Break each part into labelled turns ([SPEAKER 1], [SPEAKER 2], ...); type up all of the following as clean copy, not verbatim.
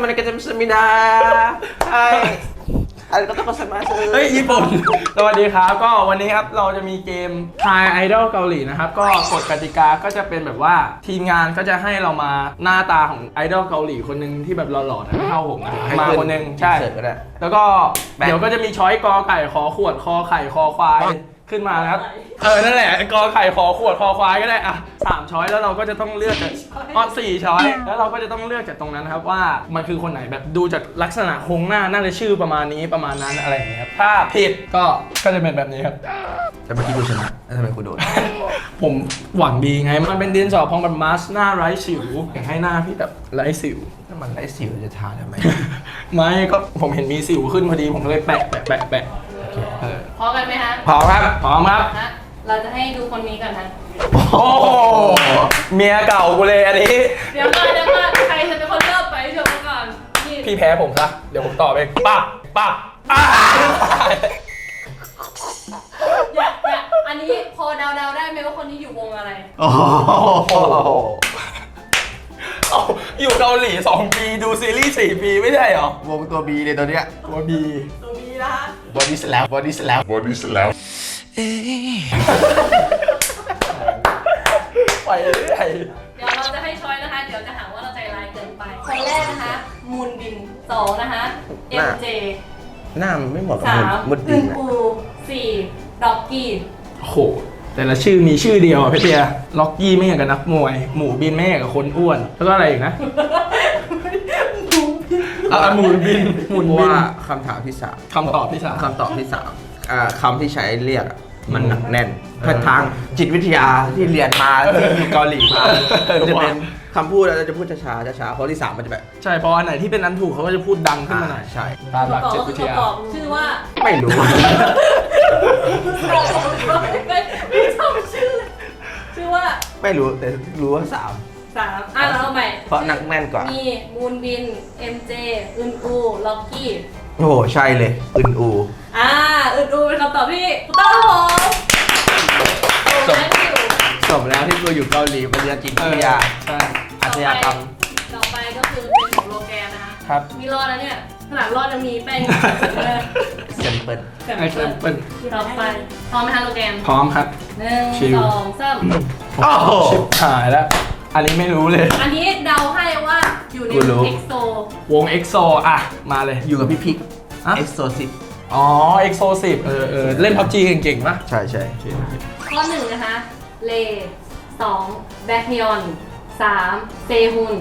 [SPEAKER 1] มันก็จะมีนาใช่อะไรก็ต้องมา
[SPEAKER 2] เฮ้ยญี่ปุ่นสวัสดีครับก็วันนี้ครับเราจะมีเกม Thai Idol เกาหลีนะครับก็กฎกติกาก็จะเป็นแบบว่าทีมงานก็จะให้เรามาหน้าตาของไอดอลเกาหลีคนหนึ่งที่แบบหล่อๆนะไม่เท่าผมนะมาคนหนึ่งใช่แล้วก็เดี๋ยวก็จะมีช้อยกอไก่ขอขวดคอไข่คอควายขึ้นมานะครับนั่นแหละกอไข่ขอขวดคอควายก็ได้อ่ะ3ช้อยแล้วเราก็จะต้องเลือกจาก4ช้อยแล้วเราก็จะต้องเลือกจากตรงนั้นนะครับว่ามันคือคนไหนแบบดูจากลักษณะโครงหน้าน่าจะชื่อประมาณนี้ประมาณนั้นอะไรอย่างเงี้ยครับถ้าผิดก็จะเป็นแบบนี้ครับ
[SPEAKER 1] แต่เมื่อกี้กูชนะแล้วทำไมกูโดน
[SPEAKER 2] ผมหวังดีไงมันเป็นดินสอพองแบบมาสหน้าไร้สิวอยากให้หน้าพี่แบบไร้สิว
[SPEAKER 1] ถ้ามันไร้สิวจะทาทำไม
[SPEAKER 2] ไม่ก็ผมเห็นมีสิวขึ้นพอดีผมก็เลยแปะ
[SPEAKER 3] พร้อมกันไหมคะ
[SPEAKER 2] พร้อมครับพร้อมครับ
[SPEAKER 3] เราจะให้ดูคนนี้ก่อนนะ
[SPEAKER 2] โอ้เมียเก่ากูเลยอันนี้
[SPEAKER 3] เดี๋ยวก่อนใครจะเป็นคนเริ่มไปเดี๋ยวก่อน
[SPEAKER 2] พี่แพ้ผมซะเดี๋ยวผมตอบเองปั๊บ
[SPEAKER 3] อย่าอันนี้พอเดาได้ไหมว่าคนนี้อยู่วงอะไร
[SPEAKER 1] โอ้
[SPEAKER 2] อยู่เกาหลี2 ปีดูซีรีส์4 ปีไม่ใช่หรอ
[SPEAKER 1] วงตัว B เลยตัวเนี้ย
[SPEAKER 2] ตัว B
[SPEAKER 3] นะคะ
[SPEAKER 1] บอดี้สแลป
[SPEAKER 2] ไปเรื่อย
[SPEAKER 3] เดี๋ยวเราจะให้ช้อยนะคะเดี๋ยวจะหาว่าเราใจร้ายเกินไปคนแรกนะคะมูนบิน2นะคะ MJ
[SPEAKER 1] หน้ามันไม่เหมาะกับ
[SPEAKER 3] มุดบินอู4ด็อกกี้
[SPEAKER 2] โอ้โหแต่ละชื่อมีชื่อเดียวอ่ะพี่เตียล็อกกี้ไม่อย่างกับนักมวยหมูบินไม่อย่างกับคนอ้วนแล้วก็อะไรอีกนะหมูบิน
[SPEAKER 1] ว่าคำถามที่3
[SPEAKER 2] คำตอบที่3
[SPEAKER 1] คำที่ใช้เรียกมันหนักแน่นทางจิตวิทยาที่เรียนมาที่อยู่เกาหลีมาจะเป็นคำพูดเราจะพูดช้าเพราะที่3มันจะแบบ
[SPEAKER 2] ใช่เพราะอันไหนที่เป็นอันถูกเขาก็จะพูดดังขึ้นมาหน่อย
[SPEAKER 1] ใช่
[SPEAKER 2] ตามหลักจิตวิทยา
[SPEAKER 3] ชื่อว่า
[SPEAKER 1] ไม่รู้
[SPEAKER 3] ไม่ชอบชื่อว่า
[SPEAKER 1] ไม่รู้แต่รู้ว่า3
[SPEAKER 3] เราเอาใหม่
[SPEAKER 1] เพราะหนักแน่นกว่า
[SPEAKER 3] มีมูนบิน MJ อึนอูล็อกกี้
[SPEAKER 1] โอ้โหใช่เลยอึนอู
[SPEAKER 3] อึนอูเป็นคำตอบที่ถูกต้อง
[SPEAKER 1] สมแล้วที่กูอยู่เกาหลีมาเรียนจิตวิทยา
[SPEAKER 2] ใช่
[SPEAKER 1] อาชญากรรม
[SPEAKER 3] ต่อไปก็คือเป็นของโลแกนนะคะ
[SPEAKER 2] ครับ
[SPEAKER 3] มีรอดแล้วเนี่ยขนาดรอดจะมีแป้ง
[SPEAKER 1] เซมเปิล
[SPEAKER 3] ต่อไปพร้อมไหมคะโลแกน
[SPEAKER 2] พร้อมครับ
[SPEAKER 3] 1 2 3
[SPEAKER 1] โอ้โห
[SPEAKER 2] ชิบหายแล้วอันนี้ไม่รู้เลย
[SPEAKER 3] อันนี้เดาให้ว่าอยู่ในวง EXO
[SPEAKER 2] วง EXO อ่ะมาเลย
[SPEAKER 1] อยู่กับพี่พิก EXO 10
[SPEAKER 2] อ๋อ EXO 10เล่น PUBG เก่งๆป่ะ
[SPEAKER 1] ใช่
[SPEAKER 3] ข้อ1นะคะเล2แบ็คฮยอน3เซฮุน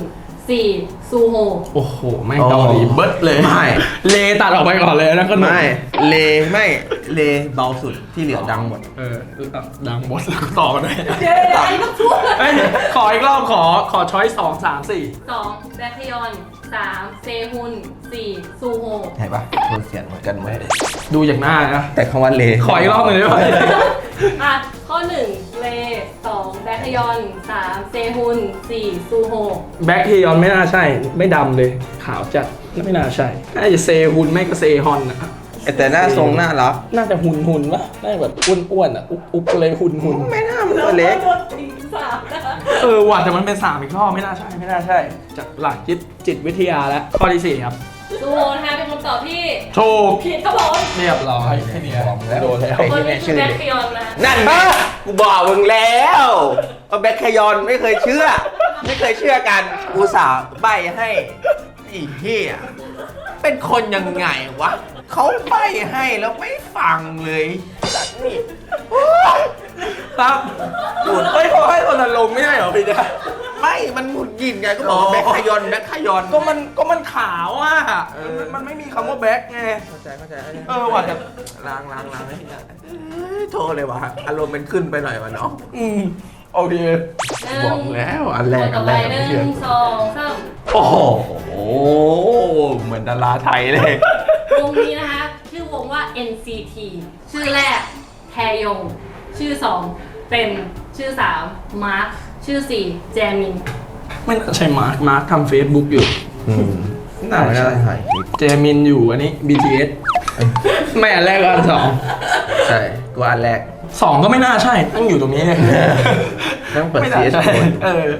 [SPEAKER 3] 4ซูโฮ
[SPEAKER 2] โอ้โหไม่เกาหลีเบิร์ดเลย
[SPEAKER 1] ไม่
[SPEAKER 2] เลตัดออกไปก่อนเลยนะก็
[SPEAKER 1] ไม่เลเบาสุดที่เหลือดังหมด
[SPEAKER 2] ดังหมดแล้วต่อกันเลย
[SPEAKER 3] อันนี้ก็พูด
[SPEAKER 2] ขออีกรอบขอช้อย2 3 4
[SPEAKER 3] 2แบ็คฮยอน3เซฮุน4ซูโฮ
[SPEAKER 1] เห็นปะโทนเสียงเหมือนกันหมด
[SPEAKER 2] ดูจากหน้านะ
[SPEAKER 1] แต่คำว่าเล
[SPEAKER 2] ขออีกรอบหนึ่งได้ไหม
[SPEAKER 3] ข้อ1เล2แบ็คฮยอน3เซฮุน4ซูโฮ
[SPEAKER 2] แบ็คฮยอนไม่น่าใช่ไม่ดำเลยขาวจัดไม่น่าใช่น่าจะเซฮุนไม่ก็เซฮอนนะ
[SPEAKER 1] แต่หน้าทรงน่ารัก
[SPEAKER 2] น่าจะหุ่นวะน่าจะแบบอ้วนอุ๊บเลยหุ่น
[SPEAKER 1] ไม่น่ามันตัวเล็ก
[SPEAKER 2] ว่ะแต่มันเป็น3อีกรอบไม่น่าใช่จากหลักจิตวิทยาแล้วข้อที่4ครับ
[SPEAKER 3] ซูโฮนะคะเป็นคำตอบที่
[SPEAKER 2] ถูก
[SPEAKER 3] ผิดครับผม
[SPEAKER 2] เรียบร้อยแค่นี้โดนแล้ว
[SPEAKER 3] คนนี้ชื่อแบ็คฮยอนนะ
[SPEAKER 1] นั่นกูบอกมึงแล้วว่าแบ็คฮยอนไม่เคยเชื่อกันอุตส่าห์ใบ้ให้อีเหี้ยเป็นคนยังไงวะเขาใบ้ให้แล้วไม่ฟังเลยสัตว์นี่
[SPEAKER 2] ครับไม่ขอให้คนละลงไม่ได้เหรอพี่เนี่ย
[SPEAKER 1] ไม่มันหมุนยินไงก็บอกแบ็คฮยอน
[SPEAKER 2] ก็มันขาวอ่ะมันไม่มีคำว่าแบ็คไง
[SPEAKER 1] เข้าใจ
[SPEAKER 2] ว่ะแต่
[SPEAKER 1] ล้างให้พี่ได้โทษเลยว่ะอารมณ์เป็นขึ้นไปหน่อยวะเนาะ
[SPEAKER 2] โอเค
[SPEAKER 1] บอกแล้วอันแรก
[SPEAKER 3] 1 2 3
[SPEAKER 1] โอ้โหเหมือนดาราไทยเลยว
[SPEAKER 3] งนี้นะคะชื่อวงว่า NCT ชื่อแรกแทยงชื่อ2เป็นชื่อ3มาร์คชื่อ4แจมิน
[SPEAKER 2] ไม่น่าใช่มาร์คทำ Facebook อยู่
[SPEAKER 1] น่าไม่ได้ถ่าย
[SPEAKER 2] แจมินอยู่อันนี้ BTS ไม่อันแรกก็อัน
[SPEAKER 1] 2ใช่กูอันแรก
[SPEAKER 2] 2ก็ไม่น่าใช่ตั้งอยู่ตรงนี้เลย
[SPEAKER 1] ต้องเปิด
[SPEAKER 2] CH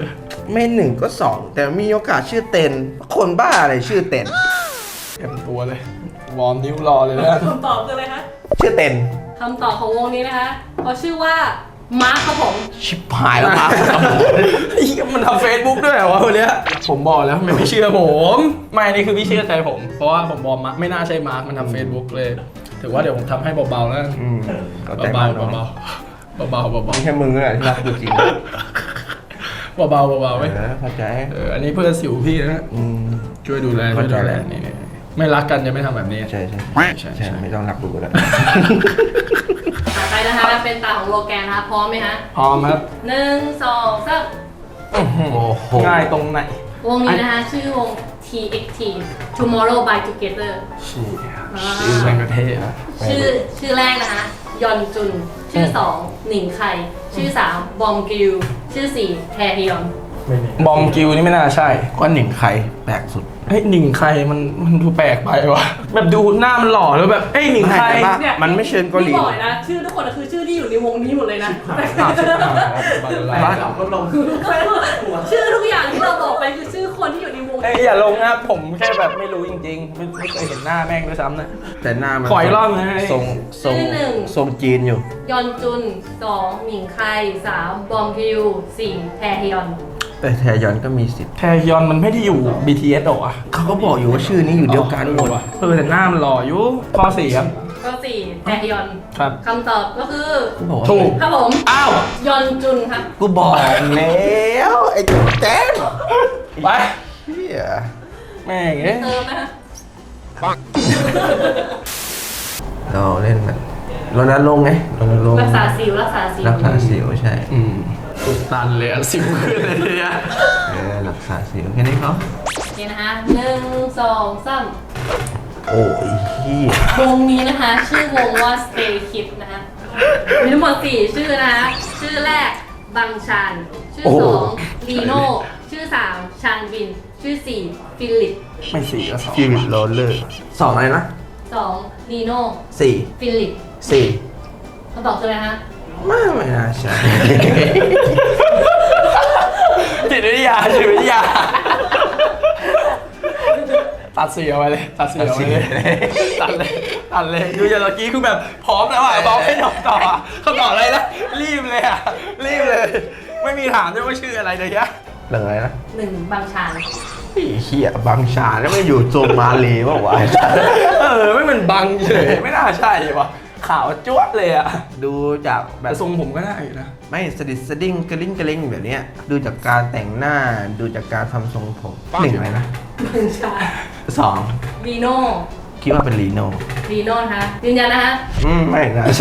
[SPEAKER 1] ไม่หนึ่งก็สองแต่มีโอกาสชื่อเต็นคนบ้าอะไรชื่อเต็น
[SPEAKER 2] เต็มตัวเลย วอร์มนิ้วรอเลยนะ
[SPEAKER 3] คำตอบคืออะไรคะ
[SPEAKER 1] ชื่อเต็น
[SPEAKER 3] คำตอบของวงนี้นะคะเขาชื่อว่ามาร์คครับผม
[SPEAKER 1] ชิบหายแล้วครับ
[SPEAKER 2] มันทำเฟซบุ๊กด้วยเหรอวะคนเนี้ยผมบอกแล้วไม่เชื่อผม ไม่นี่คือพี่เชื่อใจผม เพราะว่าผมบอกมาไม่น่าใช่มาร์คมันทำเฟซบุ๊กเลย ถือว่าเดี๋ยวผมทำให้เบาๆแล้วกัน
[SPEAKER 1] เข้าใจ
[SPEAKER 2] เบาๆ
[SPEAKER 1] เนาะ
[SPEAKER 2] เบาๆเบาๆ
[SPEAKER 1] ไม่ใช่มึงเลยที่รักกูจริง
[SPEAKER 2] เบาๆเบาๆไว้ย
[SPEAKER 1] เข้าใจ
[SPEAKER 2] อันนี้เพื่อนสิวพี่นะ ช่วยดูแลช่วยดูแล
[SPEAKER 1] เข้าใจ
[SPEAKER 2] นี่ไม่รักกันจะไม่ทำแบบนี้
[SPEAKER 1] ใช่ใช่
[SPEAKER 2] ใช่
[SPEAKER 1] ใช่ไม่ต้องรักกูก็ได้
[SPEAKER 3] ต่อไปนะคะเป็นตาของโลแกนนะคะพร้อมไหมคะ
[SPEAKER 2] พร้อมครับ
[SPEAKER 3] 1 2 3
[SPEAKER 1] โอ้โห
[SPEAKER 2] ง่ายตรงไหน
[SPEAKER 3] วงนี้นะคะชื่อวง TXT Tomorrow by Together
[SPEAKER 2] ชื่อแม่งกระเท่นะ
[SPEAKER 3] ชื่อแรกนะคะยอนจุน ชื่อ 2 หนิงไคชื่อ 3 บอมกิลชื่อ 4 แทฮยอน
[SPEAKER 2] บอมกิวนี่ไม่น่าใช่
[SPEAKER 1] ก้อนหนึ่งใครแปลกสุด
[SPEAKER 2] เฮ้ยหนิงใครมันดูแปลกไปวะแบบดูหน้ามันหล่อแล้วแบบเอ้ยหนิงใคร
[SPEAKER 1] ไม่แต่ว่า มันไม่เชิงเกาหลี
[SPEAKER 3] พี่บอกเลยนะ ชื่อทุกคนอะคือชื่อที่อยู่ในวงนี้หมดเลยนะ
[SPEAKER 2] บ้า
[SPEAKER 3] ชื่อทุกอย่างที่เราบอกไปคือชื่อคนที่อยู่ในวง
[SPEAKER 2] เอ้ยอย่าลงนะผมแค่แบบไม่รู้จริงๆ ไม่เคยเห็นหน้าแม่งด้วยซ้ำนะ
[SPEAKER 1] แต่หน้ามัน
[SPEAKER 2] ขออีกรอบนะ
[SPEAKER 1] ทรงจีนอยู่
[SPEAKER 3] ยอนจุน 2 หนิงไค3 บอมกิล4 แทฮยอน
[SPEAKER 1] แต่แทยอนก็มีสิทธิ์
[SPEAKER 2] แทยอนมันไม่ได้อยู่ BTS หรอวะ
[SPEAKER 1] เขาก็บอกอยู่ว่าชื่อนี้อยู่เดียวกันหมด
[SPEAKER 2] แต่หน้ามันหล่ออยู่ข้อ4ครับ
[SPEAKER 3] ก็4 แทฮยอน
[SPEAKER 2] ครับ
[SPEAKER 3] คำตอบก็คือ
[SPEAKER 1] กูบอกว่า
[SPEAKER 2] ถูก
[SPEAKER 3] ครับผม
[SPEAKER 2] อ้าว
[SPEAKER 3] ยอนจุนครับ
[SPEAKER 1] กูบอกแล้วไอ้แจ๊ด
[SPEAKER 2] ไป
[SPEAKER 1] เฮีย
[SPEAKER 2] แม่งเอ้ย
[SPEAKER 3] เติมนะคะ
[SPEAKER 1] เราเล่นมันรณรงค์ไงรณรงค์
[SPEAKER 3] รักษาสิวรักษาสิว
[SPEAKER 1] รักษาสิวใช่
[SPEAKER 2] ตุดตันเลยอะสิวขึ้นเลยเนี่ย
[SPEAKER 1] รักษาสิวแค่นี้เขา
[SPEAKER 3] โอเคนะคะ1 2 3
[SPEAKER 1] โอ้ยเฮียว
[SPEAKER 3] งนี้นะคะ ชื่อวงว่า Stay Kids นะคะมีทั้งหมด4ชื่อนะคะ ชื่อแรกบังชาน ชื่อ 2 ลีโน่ ชื่อ 3 ชานวิน ชื่อ 4 ฟิลิป
[SPEAKER 2] ไม่สี่ก็สอง
[SPEAKER 1] ฟิลิปโรลเลอร์สองอะไรนะ
[SPEAKER 3] 2 ลีโน่
[SPEAKER 1] สี่
[SPEAKER 3] ฟิลิป
[SPEAKER 1] สี่
[SPEAKER 3] คำตอบคืออะไรคะ
[SPEAKER 1] ไม่น่าใช่
[SPEAKER 2] จิตวิทยาตัดเสียไว้เลยตัดเสียไว้เลยตัดเลยดูอย่างเมื่อกี้คือแบบพร้อมแล้วอ่ะบอกให้ตอบต่ออ่ะเขาตอบอะไรนะรีบเลยอ่ะรีบเลย ไม่มีถามด้วยว่าชื่ออะไรเลยยะ
[SPEAKER 1] เรื่องอะไรนะ
[SPEAKER 3] 1 บังชาน
[SPEAKER 1] ไอ้เฮียบางชาแล้วไม่อยู่โซมาเลว่าวะ
[SPEAKER 2] ไม่เหมือนบังเฉยไม่น่าใช่วะขาวจ้วะเลยอ่ะ
[SPEAKER 1] ดูจากแบ
[SPEAKER 2] แต่
[SPEAKER 1] บ
[SPEAKER 2] ทรงผมก็ได้อยู่นะ
[SPEAKER 1] ไม่สดิดสดิ้งกระลิ้งกระลิ้งแบบเนี้ยดูจากการแต่งหน้าดูจากการทำทรงผมหนึ่งอะไรนะ
[SPEAKER 3] บังชาน
[SPEAKER 1] สอง
[SPEAKER 3] ลีโน่
[SPEAKER 1] คิดว่าเป็นลีโน่
[SPEAKER 3] ลีโน่นะคะยืนยันนะคะ
[SPEAKER 1] ไม่น่าใช่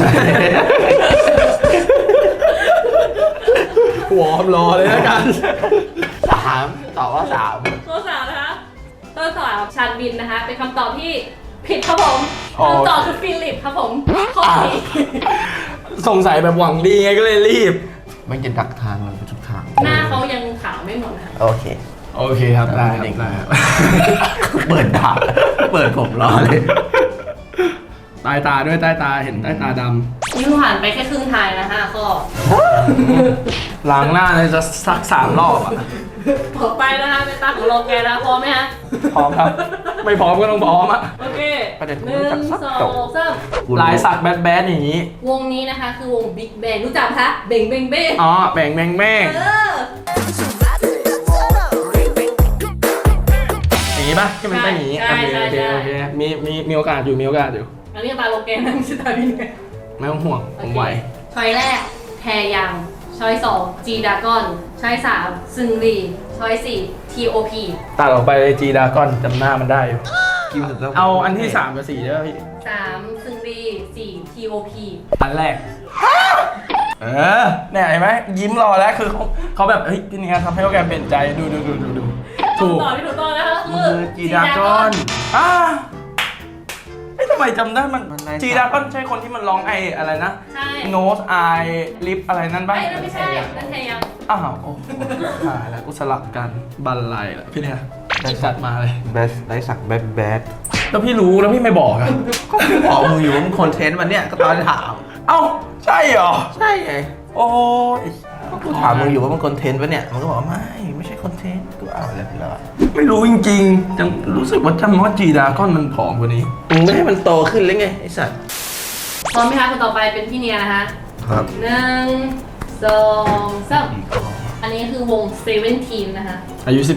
[SPEAKER 2] วอร์มรอเลยแล้วกัน
[SPEAKER 1] สามตอบว่าสาม
[SPEAKER 3] ข้อ3นะคะข้อ3ชานวินนะคะ เป็นคำตอบที่ผิดครับผม
[SPEAKER 2] อ๋อ
[SPEAKER 3] คำตอบคือฟิลิปครับผมข้อสี่
[SPEAKER 2] สงสัยแบบหวังดีไงก็เลยรีบ
[SPEAKER 1] มันจะดักทางเราไปทุกทาง
[SPEAKER 3] หน้าเขายังขาวไม่หมดนะคะ
[SPEAKER 1] โอเค
[SPEAKER 2] โอเคครับได้ครับได้ครับ
[SPEAKER 1] เปิดดาบเปิดผมรอเลย
[SPEAKER 2] ใต้ตาด้วยใต้ตาเห็นใต้ตาด
[SPEAKER 3] นี่ผ่านไปแค่ครึ่งทางนะ5 ข้อ
[SPEAKER 2] ำล้างหน้าเนี่ยจะสัก3 รอบอ่ะ
[SPEAKER 3] ต่อไปนะคะเป็นตาของโลแกนนะพร้อมไหมฮะ
[SPEAKER 2] พร้อมครับ ไม่พร้อมก็ต้องพร้อมอ่ะ
[SPEAKER 3] โอเค
[SPEAKER 1] ประเด็น
[SPEAKER 3] ห
[SPEAKER 1] ผม
[SPEAKER 3] นึ่
[SPEAKER 1] รู้จัก
[SPEAKER 3] ง
[SPEAKER 1] สัก
[SPEAKER 3] ส
[SPEAKER 1] จ
[SPEAKER 3] อบ งสาม
[SPEAKER 2] ลายสักแบดอย่างนี้
[SPEAKER 3] วงนี้นะคะคือวง Big Bang รู้จักปะคะเบ่งเบ่งเบ้ง
[SPEAKER 2] อ๋อแบ่งแม่ง
[SPEAKER 3] เออ
[SPEAKER 2] อย่างนี้ป่ะที่มันเป็นอย่างนี้
[SPEAKER 3] ใช่
[SPEAKER 2] โอเค
[SPEAKER 3] ใช่
[SPEAKER 2] โอเคมีโอกาสอยู่มีโอกาสอยู่
[SPEAKER 3] อันนี้ตาโลแกนนะไม่ใช่ตาพี่ไง
[SPEAKER 2] ไม่ต้องห่วงผมไหว
[SPEAKER 3] ช้อยแรกแทยังช้อย2 G Dragon ช้อย3ซึงรีช้อย4 TOP
[SPEAKER 2] ตัดออกไปจีดากอนจำหน้ามันได้อยู่
[SPEAKER 1] กินสุดแล้ว
[SPEAKER 2] เอาอันที่3กับ4ได้ป่ะพี่
[SPEAKER 3] 3ซึงรี4 TOP
[SPEAKER 2] อันแรก เนี่ยเห็นไหมยิ้มรอแล้วคือเขาแบบเฮ้ยพี่เนี่ยทำให้โปรแกรมเปลี่ยนใจดูถูก
[SPEAKER 3] คำตอบที่ถูกต้องนะคะคื
[SPEAKER 1] มื
[SPEAKER 3] อ
[SPEAKER 1] อจีดากอน
[SPEAKER 2] เฮ้ยทำไมจำได้มันจีดากอนใช่คนที่มันร้องไออะไรนะ
[SPEAKER 3] ใช่
[SPEAKER 2] nose eye lip อะไรนั่นป่ะ
[SPEAKER 3] ไอ้นั่นไม่ใช่นั่นแทยัง
[SPEAKER 2] อ้าวโอ้โหหายแล้วกูสลับกันบันไลแล้วพี่เนี่ยได้จัดมาเลย
[SPEAKER 1] แบสได้สักแบดแบด
[SPEAKER 2] แล้วพี่รู้แล้วพี่ไม่บอกอะ
[SPEAKER 1] ก็พี่บอกมึงอยู่ว่ามึงคอนเทนต์มันเนี่ยก็ตอนถาม
[SPEAKER 2] เอ้าใช่เหรอ
[SPEAKER 1] ใช่ไง
[SPEAKER 2] โอ้ย
[SPEAKER 1] ก็กูถามมึงอยู่ว่ามึงคอนเทนต์ปะเนี่ยมันก็บอกว่าไม่ใช่คอนเทนต์กูเอาแล้ว
[SPEAKER 2] ไม่รู้จริงๆยังรู้สึกว่าจำว่าจีดาก้อนมันผอมกว่านี้
[SPEAKER 1] มึงไม่ให้มันโตขึ้นเลยไงไอ้สัตว์
[SPEAKER 3] พร้อมไหมคะคนต่อไปเป็นพี่เนียนะคะ
[SPEAKER 1] ครับ
[SPEAKER 3] 1 2 3อันนี้คือวง17นะคะ
[SPEAKER 2] อายุ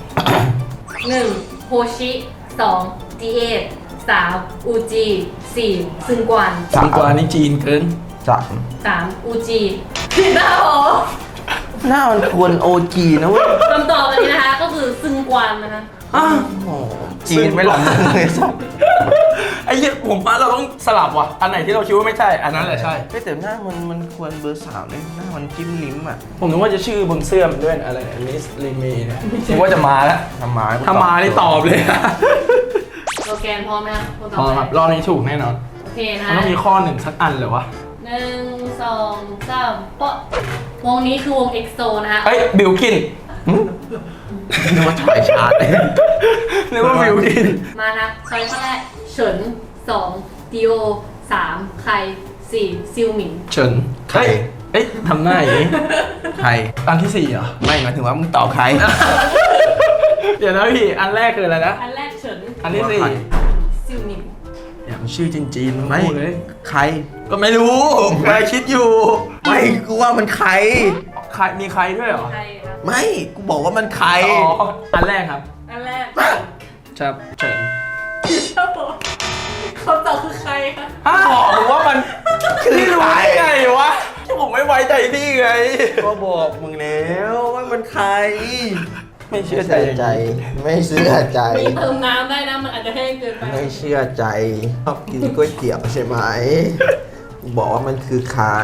[SPEAKER 3] 1โฮชิ2 D8 3อูจิ4ซึงกวน
[SPEAKER 2] 17สังกวานี่จีนเกิน
[SPEAKER 3] 3อูจิผิดนะผม
[SPEAKER 1] หน้ามันควรโอจีนะเว้ย
[SPEAKER 3] คำตอบอันนี้นะคะก็คือซึงกวนนะคะ
[SPEAKER 2] อ้าว
[SPEAKER 1] โอ้จีนไม่หลังเลยสัตว์
[SPEAKER 2] ไอ้เหี้ยผมว่าเราต้องสลับว่ะ อันไหนที่เราคิดว่าไม่ใช่ อันนั้นแหละใช่
[SPEAKER 1] แต่หน้ามันควรเบอร์3เลยหน้ามันจิ้มลิ้มอ่ะ
[SPEAKER 2] ผมนึกว่าจะชื่อบนเสื้อมันด้วยอะไรมิสลีเมเนี่ยนึกว่าจะมาแล้ว
[SPEAKER 1] ทำมา
[SPEAKER 2] ถ้ามานี่ตอบเลย
[SPEAKER 3] โลแกนพร้อมไหมคะคนต่อ
[SPEAKER 2] พอ
[SPEAKER 3] ไป
[SPEAKER 2] ครับรอบนี้ถูกแน่นอน
[SPEAKER 3] โอเคนะ
[SPEAKER 2] มันต้องมีข้อหนึ่งสักอันเลยวะ
[SPEAKER 3] 1 2 3ปะวงนี้คือวง EXO นะคะ
[SPEAKER 2] เฮ้ยบิลกิน
[SPEAKER 1] นึกว่าถ่ายชาร์ตเลย
[SPEAKER 2] นึกว่าบิลกิน
[SPEAKER 3] มานะช้อยข้อแรกเฉิน2ดิโอ3ไค4ซิวหมิง
[SPEAKER 2] เฉิน
[SPEAKER 1] ใคร
[SPEAKER 2] เอ้ยทำหน้าอย่างนี้
[SPEAKER 1] ใคร
[SPEAKER 2] อันที่สี่เหรอ
[SPEAKER 1] ไม่หมายถึงว่ามึงตอบใคร
[SPEAKER 2] เดี๋ยวนะพี่ อันแรกคืออะไรนะ
[SPEAKER 3] อันแรกเฉิน
[SPEAKER 2] อันที่สี่
[SPEAKER 3] ซิวหมิง
[SPEAKER 2] อย่ามันชื่อจีนๆ
[SPEAKER 1] ไม่
[SPEAKER 2] พูดเลย
[SPEAKER 1] ใคร
[SPEAKER 2] ก็ไม่รู้กำลังคิดอยู่
[SPEAKER 1] ไม่กูว่ามันใคร
[SPEAKER 2] ใครมีใครด้วยเหรอ
[SPEAKER 3] ใครครับ
[SPEAKER 1] ไม่กูบอกว่ามันใคร
[SPEAKER 2] อ๋อ อันแรกครับ
[SPEAKER 3] อันแรก
[SPEAKER 2] ครับเฉิน
[SPEAKER 3] ครับผมคำตอบคือใครคะ
[SPEAKER 2] อ้าวบอกผมว่ามัน
[SPEAKER 1] คือ
[SPEAKER 2] พี่รู้
[SPEAKER 1] ใคร
[SPEAKER 2] ได้ไงวะที่ผมไม่ไว้ใจพี่ไง
[SPEAKER 1] ก็บอกมึงแล้วว่ามันใคร
[SPEAKER 2] ไม่เชื่อใจ
[SPEAKER 1] ไม่เชื่อใจ
[SPEAKER 3] มีเติมน้ำได้นะ มันอาจจะแห้งเกินไป
[SPEAKER 1] ไม่เชื่อใจชอบกินก๋วยเตี๋ยวใช่ไหมบอกว่ามันคือใคร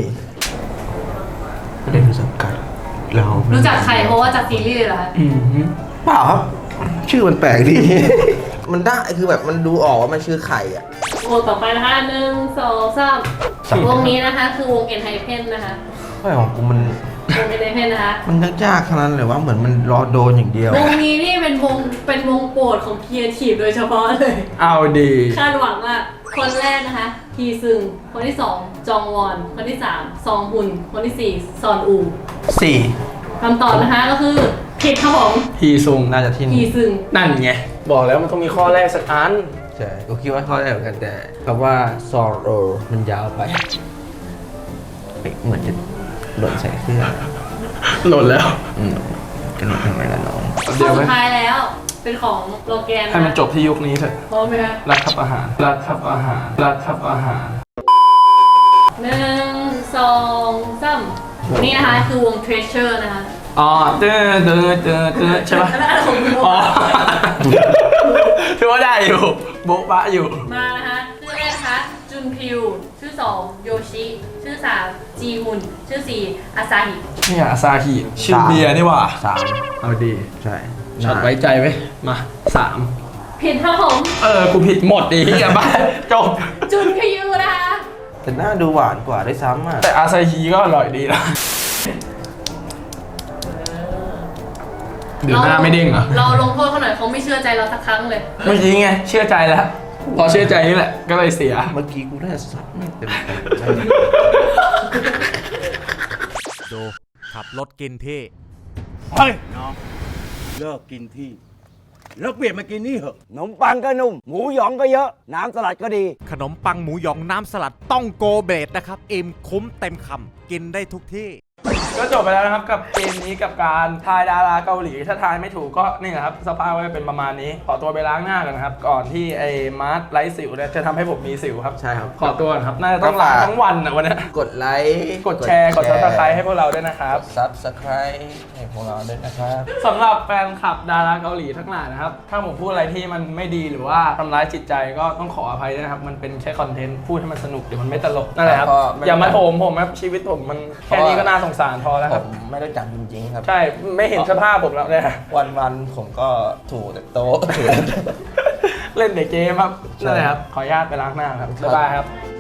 [SPEAKER 1] เป็นสังกัดเรา
[SPEAKER 3] รู้จักใครเพราะว่าจากซีรีส์เลยเหรอคะ
[SPEAKER 2] อืม
[SPEAKER 1] เปล่าครับ ชื่อมันแปลกดี มันได้คือแบบมันดูออกว่ามันชื่อใครอ่ะ
[SPEAKER 3] วงต่อไปนะคะ1 2 3วงนี้นะคะคือวง ENHYPEN นะคะ
[SPEAKER 1] ไม่ของกูมัน
[SPEAKER 3] วง ENHYPEN นะคะ
[SPEAKER 1] มันยากๆขนาดนั้นเลยว่าเหมือนมันรอโดนอย่างเดียว
[SPEAKER 3] วงนี้นี่เป็นวงโปรดของครีเอทีฟโดยเฉพาะเลย
[SPEAKER 2] เอาดี
[SPEAKER 3] คาดหวังว่าคนแรกนะคะฮีซึงคนที่ 2 จองวอน คนที่ 3 ซองฮุน คนที่ 4 ซอนอู
[SPEAKER 1] 4
[SPEAKER 3] คำตอบนะคะก็คือผิดครับผม
[SPEAKER 2] ฮีซุงน่าจะที่
[SPEAKER 3] ฮี
[SPEAKER 2] นี่
[SPEAKER 3] ซึง
[SPEAKER 2] นั่นไง บอกแล้วมันต้องมีข้อแรกสักอัน
[SPEAKER 1] ใช่กูคิดว่าเขาได้เหมือนกันแต่คำว่าซอโรมันยาวไปเฮ้ยเหมือนจะหล่นใส่เสื้อ
[SPEAKER 2] หล่นแล้ว
[SPEAKER 1] กระโดดทำไมล่ะน้อง
[SPEAKER 3] ข้
[SPEAKER 2] เดี๋
[SPEAKER 3] อ
[SPEAKER 2] ยวไหม
[SPEAKER 3] สุดท้ายแล้ว เป็นของโลแกน
[SPEAKER 2] ให้มันจบที่ยุคนี้เถอะ
[SPEAKER 3] พร้อมไหมคะ
[SPEAKER 2] รัฐทับอาหาร รัฐทับอาหาร รัฐทับอาหาร
[SPEAKER 3] 1 2 3นี่นะคะคือวง Treasure นะคะ
[SPEAKER 2] อ๋อเด้อใช่ปะ
[SPEAKER 3] อันนั้นของคุณโม
[SPEAKER 2] อ๋อ ถือว่าได้อยู่ โบ๊ะบะอยู่
[SPEAKER 3] มานะคะชื่อแรกนะคะจุนพิวชื่อ2โยชิชื่อ3จีฮุนชื่อ4อาซาฮิ
[SPEAKER 2] เนี่ยอาซาฮิชื่อเบียร์นี่หว่า
[SPEAKER 1] 3
[SPEAKER 2] เอาดี
[SPEAKER 1] ใช่
[SPEAKER 2] ช็อตไว้ใจไว้มาสาม
[SPEAKER 3] ผิดครับผม
[SPEAKER 2] กูผิดหมดดิเฮียบ้าจบ
[SPEAKER 3] จุนพิวนะคะ
[SPEAKER 1] แต่หน้าดูหวานกว่าด้วยซ้ำอ่ะ
[SPEAKER 2] แต่อาซาฮิก็อร่อยดีนะเดี๋ยวหน้าไม่เด้งเหรอ
[SPEAKER 3] เราลงโทษเขาหน่อยเขาไม่เชื่อใจเราสักครั้งเลย
[SPEAKER 2] เมื่อกี้ไง เชื่อใจแล้ว พอเชื่อใจนี่แหละ ก็เลยเสีย
[SPEAKER 1] เมื่อกี้กูได้สับไม่เต็ม
[SPEAKER 4] ดูขับรถกินที่
[SPEAKER 5] เฮ้ยน้องเลิกกินที่แล้วเปลี่ยนมากินนี่เหอะขนมปังก็นุ่ม หมูหยองก็เยอะ น้ำสลัดก็ดี
[SPEAKER 4] ขนมปังหมูหยองน้ำสลัดต้องโกเบรดนะครับอิ่มคุ้มเต็มคำกินได้ทุกที่
[SPEAKER 2] ก็จบไปแล้วนะครับกับเกมนี้กับการทายดาราเกาหลี ถ้าทายไม่ถูกก็นี่แหละครับสภาพก็จะเป็นประมาณนี้ ขอตัวไปล้างหน้ากันนะครับ ก่อนที่ไอ้มาร์ทไร้สิวเนี่ยจะทำให้ผมมีสิวครับ
[SPEAKER 1] ใช่ครับ
[SPEAKER 2] ขอตัวก่อนครับ น่าจะต้องล้างทั้งวันอ่ะวันเนี้ย
[SPEAKER 1] กดไลค์
[SPEAKER 2] กดแชร์ กด subscribe ให้พวกเราด้วยนะครับ
[SPEAKER 1] Subscribe ให้พวกเราด้วยนะครับ
[SPEAKER 2] สำหรับแฟนคลับดาราเกาหลีทั้งหลายนะครับ ถ้าผมพูดอะไรที่มันไม่ดีหรือว่าทำร้ายจิตใจก็ต้องขออภัยด้วยนะครับ มันเป็นแค่คอนเทนต์พูดให้มันสนุกเดี๋ยวมันไม่ตลกนั่นแหละครับ
[SPEAKER 1] ก็ไม่
[SPEAKER 2] อย่ามาโถมผมครับชีวิตผมมันแค่นี้ก็น่าสงสารพอแล้ว
[SPEAKER 1] ผ
[SPEAKER 2] ครับ
[SPEAKER 1] มไม่รู้จักจริงๆครับ
[SPEAKER 2] ใช่ไม่เห็นสภาพผมแล้วเนี่ย
[SPEAKER 1] วันๆผมก็ถูแต่โต๊ะ
[SPEAKER 2] เล่นแต่เกมครับนั่นแหละครับ ขออนุญาตไปล้างหน้าครับ บ๊ายบายครับ